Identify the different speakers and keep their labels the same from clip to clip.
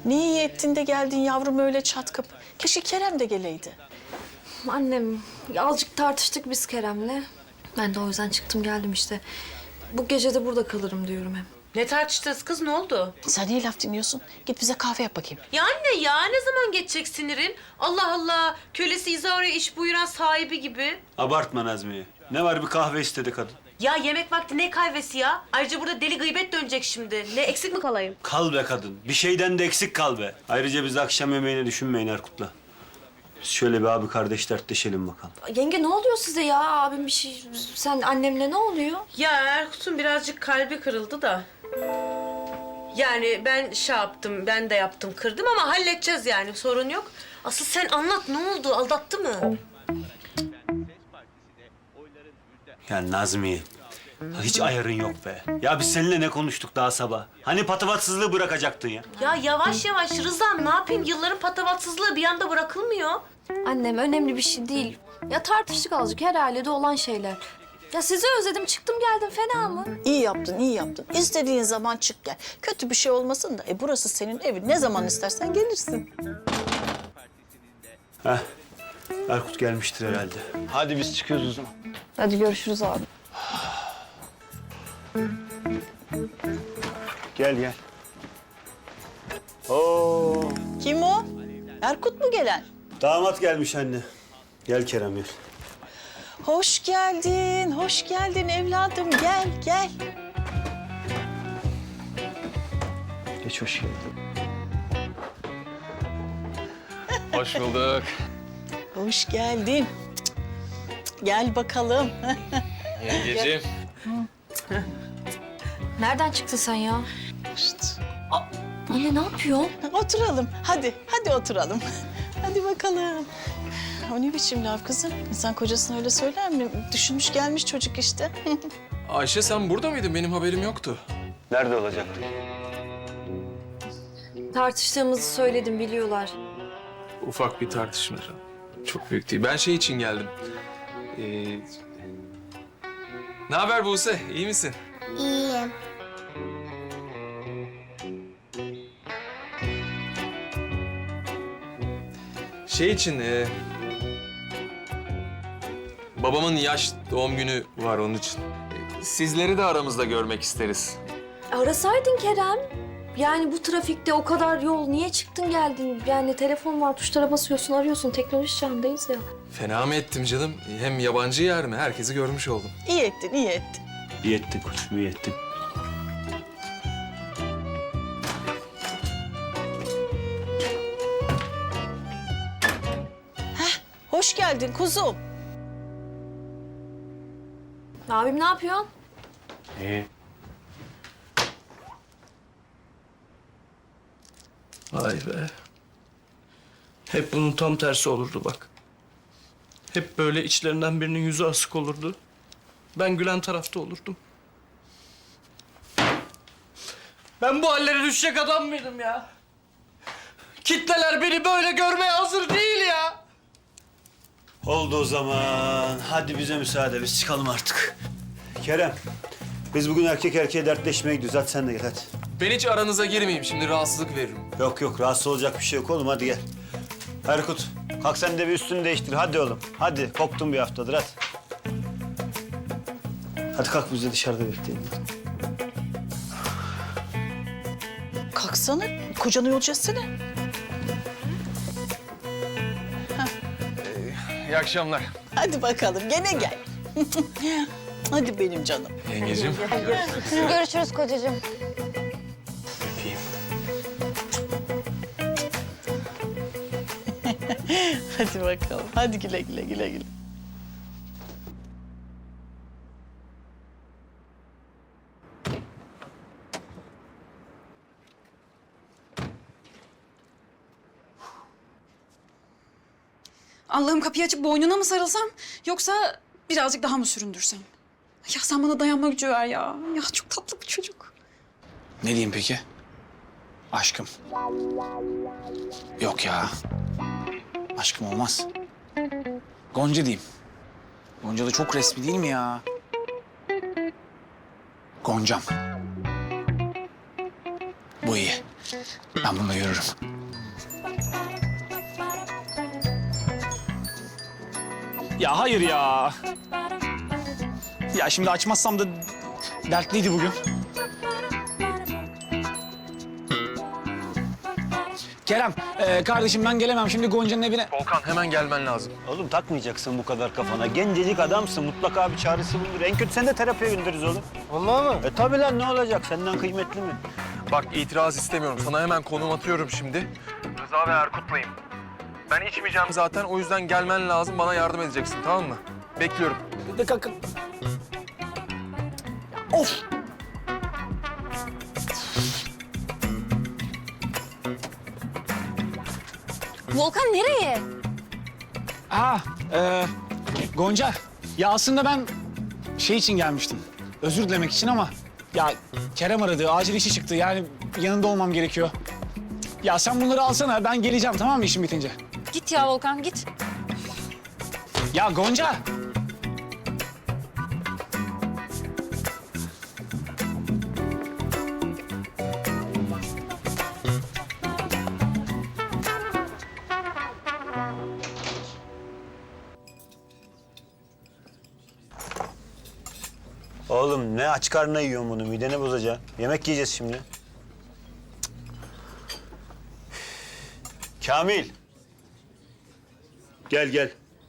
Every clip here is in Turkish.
Speaker 1: Ne iyi ettin de geldin yavrum öyle çat kapı. Keşke Kerem de geleydi.
Speaker 2: Annem, azıcık tartıştık biz Kerem'le. Ben de o yüzden çıktım geldim işte. Bu gece de burada kalırım diyorum hem.
Speaker 3: Ne tartıştınız kız, ne oldu?
Speaker 1: Sen niye laf dinliyorsun? Git bize kahve yap bakayım.
Speaker 3: Ya anne ya, ne zaman geçecek sinirin? Allah Allah, kölesi İzaro'ya iş buyuran sahibi gibi.
Speaker 4: Abartma Nazmiye. Ne var bir kahve istedi kadın.
Speaker 3: Ya yemek vakti ne kahvesi ya? Ayrıca burada deli gıybet dönecek şimdi. Ne eksik mi kalayım?
Speaker 4: Kal be kadın. Bir şeyden de eksik kal be. Ayrıca biz akşam yemeğini düşünmeyin Erkut'la. Biz şöyle bir abi kardeş dertleşelim bakalım.
Speaker 2: Yenge ne oluyor size ya? Abim bir şey... Sen annemle ne oluyor?
Speaker 3: Ya Erkut'un birazcık kalbi kırıldı da. Yani ben şey yaptım, ben de yaptım, kırdım ama halledeceğiz yani, sorun yok. Asıl sen anlat, ne oldu? Aldattı mı?
Speaker 4: Ya Nazmiye. Hiç ayarın yok be. Ya biz seninle ne konuştuk daha sabah? Hani patavatsızlığı bırakacaktın ya?
Speaker 3: Ya yavaş yavaş Rıza'm, ne yapayım? Yılların patavatsızlığı bir anda bırakılmıyor.
Speaker 2: Annem önemli bir şey değil. Ya tartıştık azıcık her ailede olan şeyler. Ya sizi özledim çıktım geldim fena mı?
Speaker 1: İyi yaptın, iyi yaptın. İstediğin zaman çık gel. Kötü bir şey olmasın da. Burası senin evin. Ne zaman istersen gelirsin.
Speaker 4: Heh. Erkut gelmiştir herhalde. Hadi biz çıkıyoruz o zaman.
Speaker 2: Hadi görüşürüz abi.
Speaker 4: Gel gel. Oo.
Speaker 1: Kim o? Erkut mu gelen?
Speaker 4: Damat gelmiş anne. Gel Kerem gel.
Speaker 1: Hoş geldin evladım. Gel, gel.
Speaker 4: Geç hoş geldin.
Speaker 5: Hoş bulduk.
Speaker 1: Hoş geldin. Gel bakalım.
Speaker 5: Yengeciğim.
Speaker 2: Nereden çıktın sen ya? Anne ne yapıyorsun?
Speaker 1: Oturalım. Hadi oturalım. Hadi bakalım. O ne biçim laf kızım? İnsan kocasına öyle söyler mi? Düşünmüş gelmiş çocuk işte.
Speaker 5: Ayşe sen burada mıydın? Benim haberim yoktu.
Speaker 4: Nerede olacaktı?
Speaker 2: Tartıştığımızı söyledim biliyorlar.
Speaker 5: Ufak bir tartışma. Çok büyük değil. Ben şey için geldim. Ne haber Buse? İyi misin?
Speaker 6: İyiyim.
Speaker 5: Şey için... babamın yaş doğum günü var onun için. Sizleri de aramızda görmek isteriz.
Speaker 2: Arasaydın Kerem. Yani bu trafikte o kadar yol niye çıktın geldin? Yani telefon var tuşlara basıyorsun arıyorsun teknoloji çağındayız ya.
Speaker 5: Fena mı ettim canım? Hem yabancı yer mi? Herkesi görmüş oldum.
Speaker 1: İyi ettin, iyi ettin.
Speaker 4: İyi ettin koçum, iyi ettin.
Speaker 1: Hoş geldin kuzum.
Speaker 2: Abim ne yapıyor?
Speaker 4: İyi.
Speaker 7: Vay be. Hep bunun tam tersi olurdu bak. Hep böyle içlerinden birinin yüzü asık olurdu. Ben gülen tarafta olurdum. Ben bu hallere düşecek adam mıydım ya? Kitleler beni böyle görmeye hazır değil ya.
Speaker 4: Oldu o zaman. Hadi bize müsaade, biz çıkalım artık. Kerem, biz bugün erkek erkeğe dertleşmeye gidiyoruz. Hadi sen de gel hadi.
Speaker 5: Ben hiç aranıza girmeyeyim. Şimdi rahatsızlık veririm.
Speaker 4: Yok, rahatsız olacak bir şey yok oğlum. Hadi gel. Erkut, kalk sen de bir üstünü değiştir. Hadi oğlum. Hadi, koptun bir haftadır hadi. Hadi kalk biz de dışarıda bekleyelim.
Speaker 1: Kalksana, kocanı yolcu etsene.
Speaker 5: İyi akşamlar.
Speaker 1: Hadi bakalım, gene gel. Hadi benim canım.
Speaker 5: Yengeciğim.
Speaker 6: Görüşürüz kocacığım.
Speaker 5: Öpeyim.
Speaker 1: Hadi bakalım, hadi güle güle.
Speaker 8: Allah'ım kapıyı açıp boynuna mı sarılsam yoksa birazcık daha mı süründürsem? Ya sen bana dayanma gücü ver ya. Ya çok tatlı bir çocuk.
Speaker 9: Ne diyeyim peki? Aşkım. Yok ya. Aşkım olmaz. Gonca diyeyim. Gonca da çok resmi değil mi ya? Goncam. Bu iyi. Ben bununla yürürüm. Ya hayır ya. Ya şimdi açmazsam da dertliydi bugün. Kerem, kardeşim ben gelemem şimdi Gonca'nın evine.
Speaker 5: Volkan hemen gelmen lazım.
Speaker 4: Oğlum takmayacaksın bu kadar kafana. Gencecik adamsın. Mutlaka bir çaresi bulunur. En kötü seni de terapiye göndeririz oğlum.
Speaker 5: Vallahi mı?
Speaker 4: Tabii lan ne olacak? Senden kıymetli mi?
Speaker 5: Bak itiraz istemiyorum. Sana hemen konum atıyorum şimdi. Rıza ve Erkut'layım. Ben içmeyeceğim zaten. O yüzden gelmen lazım. Bana yardım edeceksin, tamam mı? Bekliyorum.
Speaker 9: Of!
Speaker 2: Volkan nereye?
Speaker 9: Gonca, ya aslında ben şey için gelmiştim. Özür dilemek için ama ya Kerem aradı, acil işi çıktı. Yani yanında olmam gerekiyor. Ya sen bunları alsana, ben geleceğim tamam mı işim bitince?
Speaker 2: Git ya Volkan git.
Speaker 9: Ya Gonca!
Speaker 4: Oğlum ne aç karnına yiyorsun bunu? Mideni bozacaksın. Yemek yiyeceğiz şimdi. Kamil. Gel gel.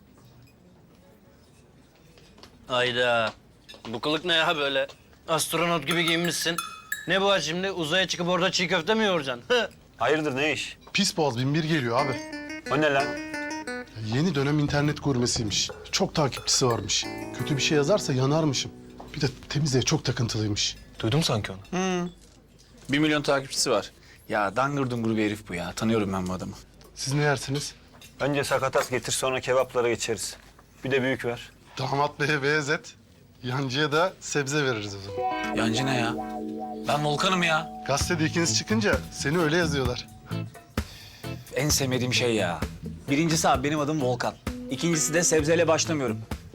Speaker 10: Hayda. Bu kılık ne ya böyle? Astronot gibi giyinmişsin. Ne bu ha şimdi? Uzaya çıkıp orada çiğ köfte mi yoğuracaksın?
Speaker 4: Hayırdır ne iş?
Speaker 11: Pis Boğaz 1001 geliyor abi.
Speaker 4: O ne lan?
Speaker 11: Yeni dönem internet gurmesiymiş. Çok takipçisi varmış. Kötü bir şey yazarsa yanarmışım. Bir de temizliğe çok takıntılıymış.
Speaker 5: Duydum sanki onu.
Speaker 9: 1 milyon takipçisi var. Ya dangır dungur bir herif bu ya. Tanıyorum ben bu adamı.
Speaker 11: Siz ne yersiniz?
Speaker 4: Önce sakatat getir sonra kebaplara geçeriz. Bir de büyük ver.
Speaker 11: Damat beye beyaz et. Yancıya da sebze veririz o zaman.
Speaker 9: Yancı ne ya? Ben Volkan'ım ya.
Speaker 11: Gazetede ikiniz çıkınca seni öyle yazıyorlar.
Speaker 9: En sevmediğim şey ya. Birincisi abi benim adım Volkan. İkincisi de sebzeyle başlamıyorum.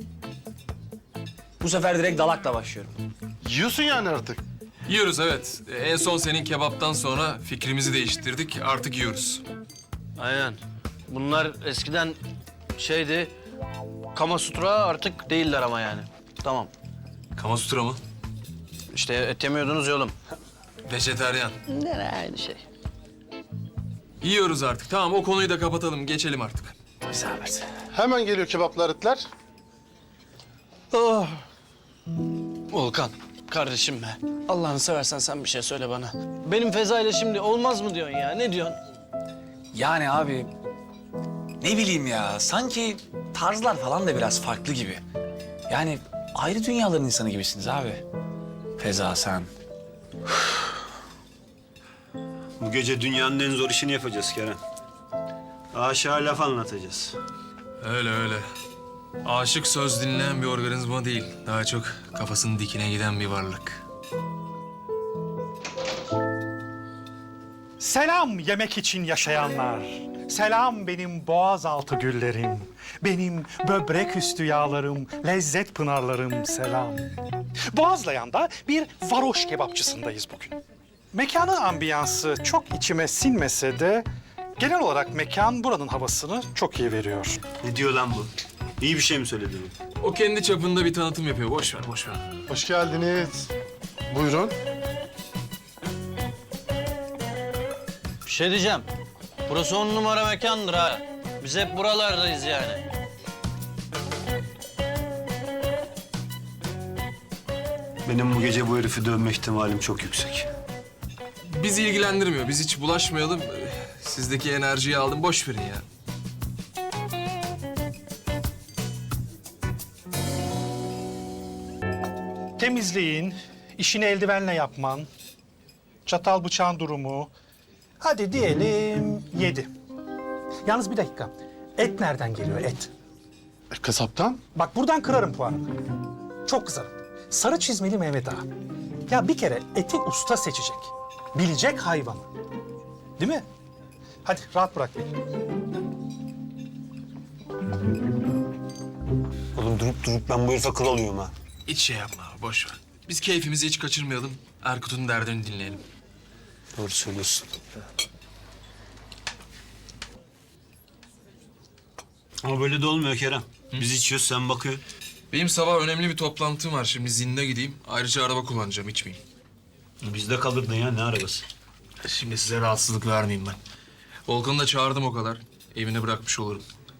Speaker 9: Bu sefer direkt dalakla başlıyorum.
Speaker 11: Yiyorsun yani artık.
Speaker 5: Yiyoruz evet. En son senin kebaptan sonra fikrimizi değiştirdik. Artık yiyoruz.
Speaker 10: Aynen. Bunlar eskiden şeydi... Kamasutra artık değiller ama yani. Tamam.
Speaker 5: Kamasutra mı?
Speaker 10: İşte et yemiyordunuz ya oğlum.
Speaker 5: Vejeteryan.
Speaker 10: Ne aynı şey.
Speaker 5: Yiyoruz artık. Tamam o konuyu da kapatalım. Geçelim artık.
Speaker 9: İsabet.
Speaker 11: Hemen geliyor kebaplar etler.
Speaker 10: Oh. Volkan, kardeşim be. Allah'ını seversen sen bir şey söyle bana. Benim Feza ile şimdi olmaz mı diyorsun ya? Ne diyorsun?
Speaker 9: Yani abi ne bileyim ya sanki tarzlar falan da biraz farklı gibi. Yani ayrı dünyaların insanı gibisiniz abi. Feza sen.
Speaker 4: Bu gece dünyanın en zor işini yapacağız Kerem. Aşağı laf anlatacağız.
Speaker 5: Öyle öyle. Aşık söz dinleyen bir organizma değil. Daha çok kafasının dikine giden bir varlık.
Speaker 12: Selam yemek için yaşayanlar. Selam benim boğazaltı güllerim. Benim böbrek üstü yağlarım, lezzet pınarlarım selam. Boğazlayan'da bir varoş kebapçısındayız bugün. Mekanın ambiyansı çok içime sinmese de genel olarak mekan buranın havasını çok iyi veriyor.
Speaker 4: Ne diyor lan bu? İyi bir şey mi söyledi bu?
Speaker 5: O kendi çapında bir tanıtım yapıyor. Boş ver, boş ver.
Speaker 11: Hoş geldiniz. Buyurun.
Speaker 10: Bir şey diyeceğim. Burası 10 numara mekandır ha. Biz hep buralardayız yani.
Speaker 4: Benim bu gece bu herifi dövme ihtimalim çok yüksek.
Speaker 5: Bizi ilgilendirmiyor. Biz hiç bulaşmayalım. Sizdeki enerjiyi aldım. Boş verin ya.
Speaker 12: Temizliğin, işini eldivenle yapman, çatal bıçağın durumu. Hadi diyelim 7. Yalnız bir dakika. Et nereden geliyor et?
Speaker 11: Kasaptan.
Speaker 12: Bak buradan kırarım puanını. Çok kızarım. Sarı çizmeli Mehmet Ağa. Ya bir kere eti usta seçecek. Bilecek hayvanı. Değil mi? Hadi rahat bırak beni.
Speaker 4: Oğlum durup ben bu herife kıl alıyorum ha.
Speaker 5: Hiç şey yapma. Boş ver. Biz keyfimizi hiç kaçırmayalım. Erkut'un derdini dinleyelim.
Speaker 4: Doğru söylüyorsun. Ama böyle de olmuyor Kerem. Biz içiyoruz, sen bakıyorsun.
Speaker 5: Benim sabah önemli bir toplantım var. Şimdi zinde gideyim. Ayrıca araba kullanacağım, içmeyeyim.
Speaker 4: Bizde kalırdın ya, ne arabası?
Speaker 5: Şimdi size rahatsızlık vermeyeyim ben. Volkan'ı da çağırdım o kadar. Evine bırakmış olurum.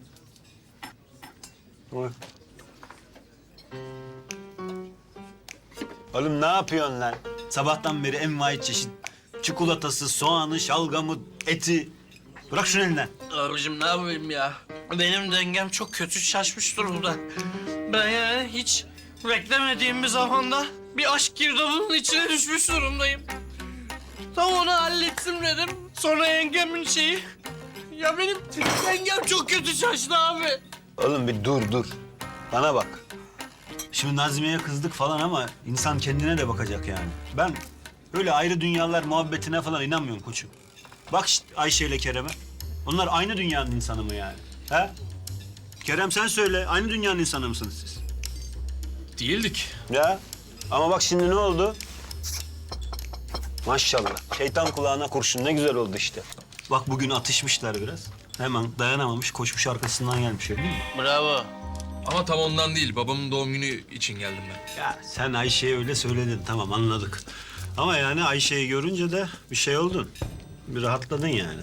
Speaker 4: Oğlum ne yapıyorsun lan? Sabahtan beri envai çeşit çikolatası, soğanı, şalgamı, eti. Bırak şunu elinden.
Speaker 10: Abicim ne yapayım ya? Benim dengem çok kötü şaşmış durumda. Ben yani hiç beklemediğim bir zamanda bir aşk girdabının içine düşmüş durumdayım. Tam onu hallettim dedim. Sonra yengemin şeyi... Ya benim dengem çok kötü şaştı abi.
Speaker 4: Oğlum bir dur. Bana bak. Şimdi Nazmiye'ye kızdık falan ama insan kendine de bakacak yani. Ben öyle ayrı dünyalar muhabbetine falan inanmıyorum koçum. Bak işte Ayşe ile Kerem'e. Onlar aynı dünyanın insanı mı yani? He? Kerem sen söyle, aynı dünyanın insanı mısınız siz?
Speaker 5: Değildik.
Speaker 4: Ya ama bak şimdi ne oldu? Maşallah. Şeytan kulağına kurşun, ne güzel oldu işte. Bak bugün atışmışlar biraz. Hemen dayanamamış, koşmuş arkasından gelmiş öyle değil mi?
Speaker 10: Bravo.
Speaker 5: Ama tam ondan değil. Babamın doğum günü için geldim ben.
Speaker 4: Ya sen Ayşe'ye öyle söyledin, tamam anladık. Ama yani Ayşe'yi görünce de bir şey oldun. Bir rahatladın yani.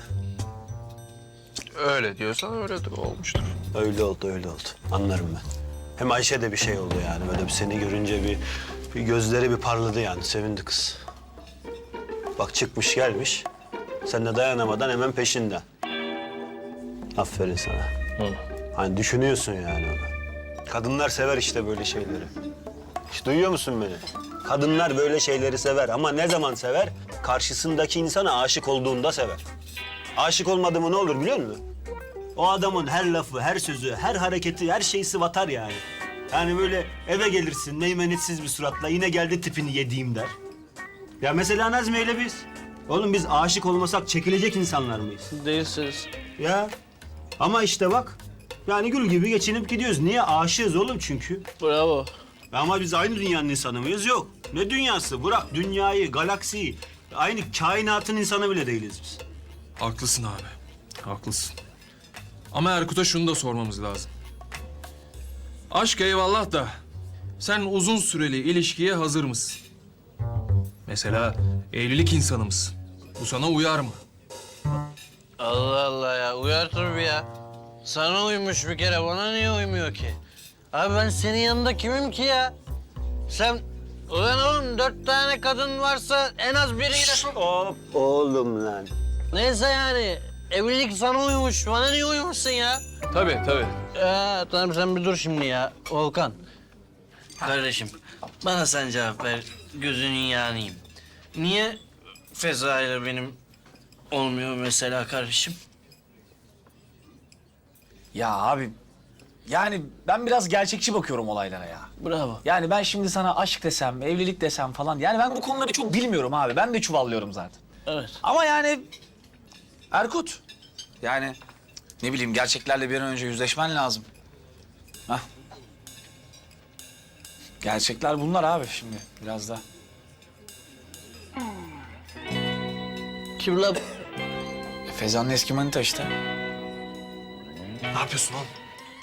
Speaker 5: Öyle diyorsan öyledir, olmuştur.
Speaker 4: Öyle oldu. Anlarım ben. Hem Ayşe de bir şey oldu yani. Böyle bir seni görünce bir gözleri bir parladı yani. Sevindi kız. Bak çıkmış gelmiş. Sen de dayanamadan hemen peşinden. Aferin sana. Hani düşünüyorsun yani onu. Kadınlar sever işte böyle şeyleri. Hiç duyuyor musun beni? Kadınlar böyle şeyleri sever ama ne zaman sever? Karşısındaki insana aşık olduğunda sever. Aşık olmadı mı ne olur biliyor musun? O adamın her lafı, her sözü, her hareketi, her şeyi sıvatar yani. Yani böyle eve gelirsin meymenetsiz bir suratla yine geldi tipini yediğim der. Ya mesela Nazmiye ile biz. Oğlum biz aşık olmasak çekilecek insanlar mıyız?
Speaker 10: Değilsiniz.
Speaker 4: Ya ama işte bak yani gül gibi geçinip gidiyoruz. Niye? Aşığız oğlum çünkü.
Speaker 10: Bravo.
Speaker 4: Ama biz aynı dünyanın insanı mıyız? Yok. Ne dünyası? Bırak dünyayı, galaksiyi. Aynı kainatın insanı bile değiliz biz.
Speaker 5: Haklısın abi. Haklısın. Ama Erkut'a şunu da sormamız lazım. Aşk eyvallah da sen uzun süreli ilişkiye hazır mısın? Mesela evlilik insanı mısın? Bu sana uyar mı?
Speaker 10: Allah Allah ya. Uyar tabii ya. Sana uymuş bir kere. Bana niye uymuyor ki? Abi ben senin yanında kimim ki ya? Sen... Ulan oğlum 4 tane kadın varsa en az biriyle...
Speaker 4: Hop oğlum lan.
Speaker 10: Neyse yani. Evlilik sana uymuş. Bana niye uymuşsun ya?
Speaker 5: Tabii.
Speaker 10: Tamam sen bir dur şimdi ya. Volkan. Kardeşim bana sen cevap ver. Gözünün yağınıyım. Niye Feza ile benim olmuyor mesela kardeşim?
Speaker 9: Ya abi yani ben biraz gerçekçi bakıyorum olaylara ya.
Speaker 10: Bravo.
Speaker 9: Yani ben şimdi sana aşk desem, evlilik desem falan yani ben bu konuları çok bilmiyorum abi. Ben de çuvallıyorum zaten.
Speaker 10: Evet.
Speaker 9: Ama yani Erkut yani ne bileyim gerçeklerle bir an önce yüzleşmen lazım. Hah. Gerçekler bunlar abi şimdi biraz da.
Speaker 10: Kim la?
Speaker 9: Feza'nın eski manita işte.
Speaker 5: Ne yapıyorsun oğlum?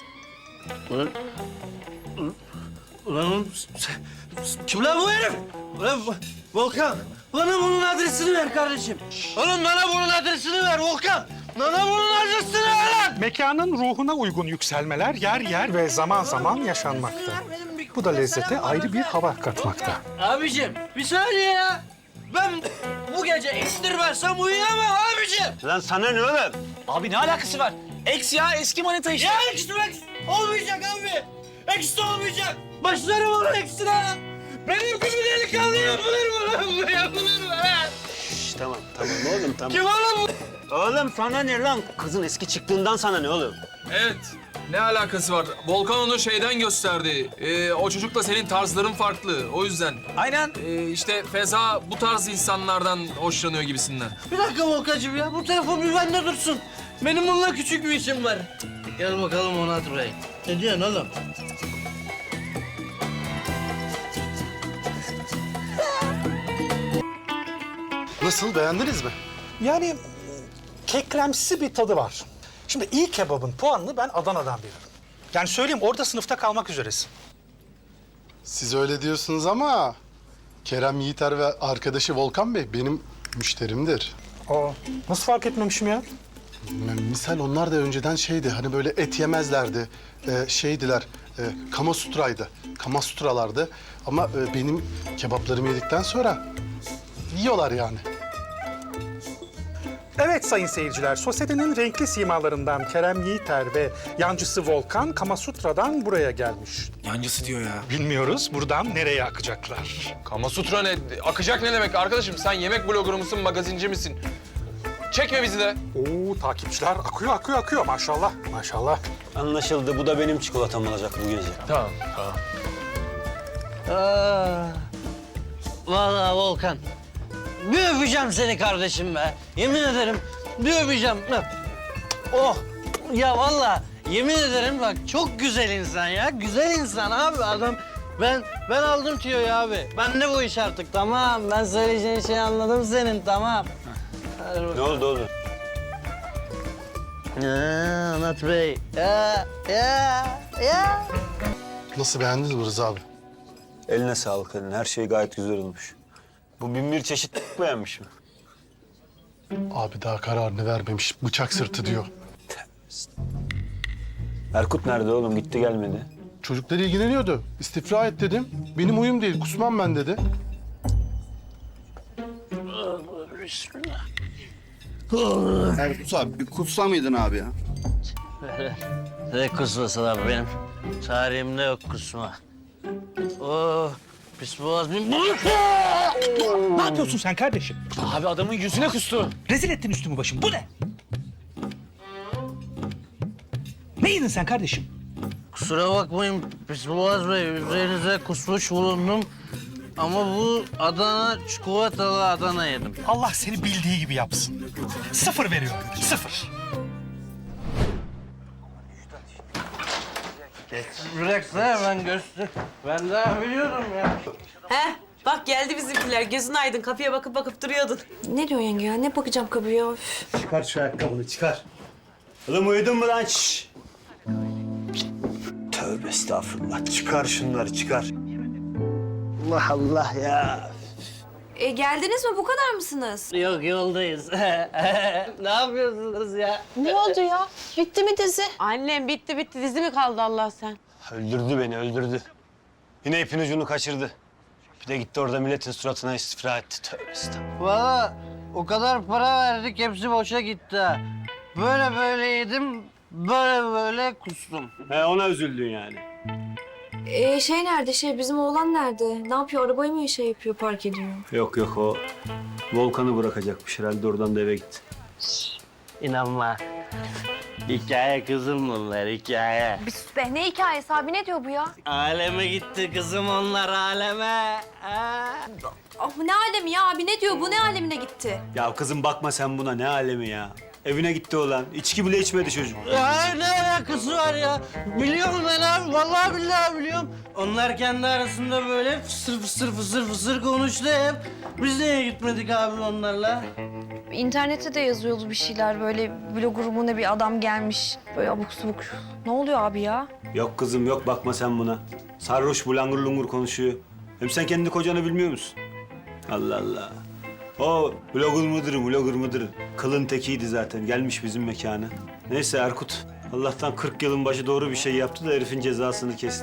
Speaker 10: Ulan oğlum, kim lan bu herif? Ulan Volkan, bana bunun adresini ver kardeşim. Oğlum bana bunun adresini ver Volkan. Bana bunun adresini ver lan.
Speaker 12: Mekanın ruhuna uygun yükselmeler yer yer ve zaman zaman yaşanmakta. Bu da lezzete ayrı bir hava katmakta.
Speaker 10: Abicim bir saniye ya. Ben bu gece indirmezsem uyuyamam abicim.
Speaker 4: Lan sana ne oğlum?
Speaker 9: Abi ne alakası var? Ex ya eski manita işte.
Speaker 10: Ya eksi olmayacak abi. Eksi olmayacak. Başlarım onun eksine. Benim gibi delikanlı yapılır mı lan bu? Yapılır mı lan?
Speaker 4: Şşş, tamam oğlum tamam.
Speaker 10: Kim oğlum bu?
Speaker 4: Oğlum sana ne lan? Kızın eski çıktığından sana ne oğlum?
Speaker 5: Evet. Ne alakası var? Volkan onu şeyden gösterdi. O çocukla senin tarzların farklı. O yüzden.
Speaker 9: Aynen.
Speaker 5: İşte Feza bu tarz insanlardan hoşlanıyor gibisinden.
Speaker 10: Bir dakika Volkan'cığım ya. Bu telefon bir bende dursun. Benim bununla küçük bir işim var. Gel bakalım Onat Bey. Ne diyorsun oğlum?
Speaker 11: Nasıl, beğendiniz mi?
Speaker 12: Yani kekremsi bir tadı var. Şimdi iyi kebabın puanını ben Adana'dan veririm. Yani söyleyeyim orada sınıfta kalmak üzeresin.
Speaker 11: Siz öyle diyorsunuz ama Kerem Yiğiter ve arkadaşı Volkan Bey benim müşterimdir.
Speaker 12: Aa, nasıl fark etmemişim ya?
Speaker 11: Misal onlar da önceden şeydi, hani böyle et yemezlerdi. Şeydiler, Kamasutra'ydı. Kamasutralardı. Ama benim kebaplarımı yedikten sonra yiyorlar yani.
Speaker 12: Evet sayın seyirciler, sosyetenin renkli simalarından Kerem Yiğiter ve yancısı Volkan Kamasutra'dan buraya gelmiş.
Speaker 5: Yancısı diyor ya.
Speaker 12: Bilmiyoruz buradan nereye akacaklar.
Speaker 5: Kamasutra ne? Akacak ne demek arkadaşım? Sen yemek blogger mısın, magazinci misin? Çekme bizi de.
Speaker 12: Oo takipçiler akıyor maşallah maşallah.
Speaker 4: Anlaşıldı. Bu da benim çikolatam olacak bu gece.
Speaker 5: Tamam, tamam.
Speaker 10: Vallahi Volkan, bir öpeceğim seni kardeşim be. Yemin ederim bir öpeceğim. Oh, ya vallahi yemin ederim bak çok güzel insan ya. Güzel insan abi adam. Ben aldım tüyoyu abi. Ben de bu iş artık tamam. Ben söyleyeceğin şeyi anladım senin tamam.
Speaker 4: Ne oldu oğlum?
Speaker 10: Anlat Bey. Ya.
Speaker 11: Nasıl, beğendiniz mi Rıza abi?
Speaker 4: Eline sağlık eline. Her şey gayet güzel olmuş. Bu 1001 çeşit beğenmiş mi?
Speaker 11: Abi daha kararını vermemiş. Bıçak sırtı diyor.
Speaker 4: Erkut nerede oğlum? Gitti gelmedi.
Speaker 11: Çocuklar ilgileniyordu. İstifra et dedim. Benim huyum değil, kusmam ben dedi.
Speaker 10: Bismillah.
Speaker 13: Erkut abi bir kutsa mıydın abi ya?
Speaker 10: Ne kusması lan benim? Tarihimde yok kusma. Oh, pis boğaz bir...
Speaker 12: Ne yapıyorsun sen kardeşim?
Speaker 9: Abi adamın yüzüne kustu.
Speaker 12: Rezil ettin üstümü başımı. Bu ne? Ne yedin sen kardeşim?
Speaker 10: Kusura bakmayın pis boğaz bey, üzerinize kusmuş bulundum. Ama bu Adana, çikolatalı Adana yedim.
Speaker 12: Allah seni bildiği gibi yapsın. 0 veriyorum. 0.
Speaker 10: Bıraksana ben göster. Ben daha biliyorum ya.
Speaker 3: He? Bak geldi bizimkiler. Gözün aydın. Kapıya bakıp bakıp duruyordun.
Speaker 2: Ne diyor yenge ya? Ne bakacağım kapıya? Üf.
Speaker 4: Çıkar şu ayakkabını çıkar. Oğlum uyudun mu lan? Şşş! Tövbe estağfurullah. Çıkar şunları çıkar. Allah Allah ya.
Speaker 2: Geldiniz mi? Bu kadar mısınız?
Speaker 10: Yok yoldayız. Ne yapıyorsunuz ya?
Speaker 1: Ne oldu ya? Bitti mi dizi?
Speaker 3: Annem bitti dizi mi kaldı Allah sen?
Speaker 4: Öldürdü beni öldürdü. Yine ipin ucunu kaçırdı. Bir de gitti orada milletin suratına istifra etti. Tövbe estağfurullah.
Speaker 10: Valla o kadar para verdik hepsi boşa gitti ha. Böyle yedim, böyle kustum.
Speaker 4: He ona üzüldün yani.
Speaker 2: Şey nerede? Bizim oğlan nerede? Ne yapıyor? Arabayı mı şey yapıyor, park ediyor?
Speaker 4: Yok o Volkan'ı bırakacakmış herhalde oradan da eve gitti.
Speaker 10: İnanma. Hikaye kızım bunlar, hikaye.
Speaker 2: Bir sus be. Ne hikayesi abi? Ne diyor bu ya?
Speaker 10: Aleme gitti kızım onlar, aleme.
Speaker 2: Ah, ne alemi ya abi? Ne diyor bu? Ne alemine gitti?
Speaker 4: Ya kızım bakma sen buna ne alemi ya. Evine gitti olan. İçki bile içmedi çocuk.
Speaker 10: Ya ne alakası var ya? Biliyorum ben abi, vallahi billahi biliyorum. Onlar kendi arasında böyle fısır konuştu hep. Biz niye gitmedik abi onlarla?
Speaker 2: İnternette de yazıyordu bir şeyler. Böyle blogger mu ne bir adam gelmiş. Böyle abuk subuk. Ne oluyor abi ya?
Speaker 4: Yok kızım yok bakma sen buna. Sarhoş bulangur lungur konuşuyor. Hem sen kendi kocanı bilmiyor musun? Allah Allah. O blogger mıdır? Kılın tekiydi zaten. Gelmiş bizim mekana. Neyse Erkut. Allah'tan 40 yılın başı doğru bir şey yaptı da herifin cezasını kesti.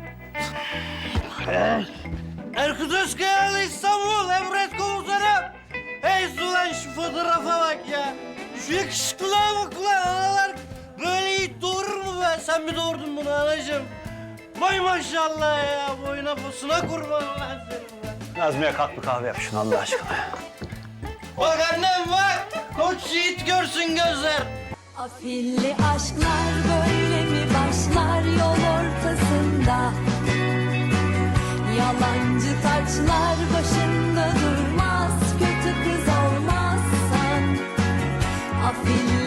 Speaker 10: Erkut Özkayalı İstanbul, Emret Komutanım. Hey ulan şu fotoğrafa bak ya. Şu yakışıklığa bak ulan analar. Böyle yiğit doğurur mu be? Sen mi doğurdun bunu anacığım? Vay maşallah ya. Boyuna posuna kurban ulan senin be.
Speaker 4: Nazmiye kalk bir kahve yap şunu Allah aşkına.
Speaker 10: Bak annem bak. Koç yiğit görsün gözler.
Speaker 14: Afilli aşklar böyle mi başlar yol ortasında? Yalancı taçlar başında durmaz, kötü kız olmazsan. Afilli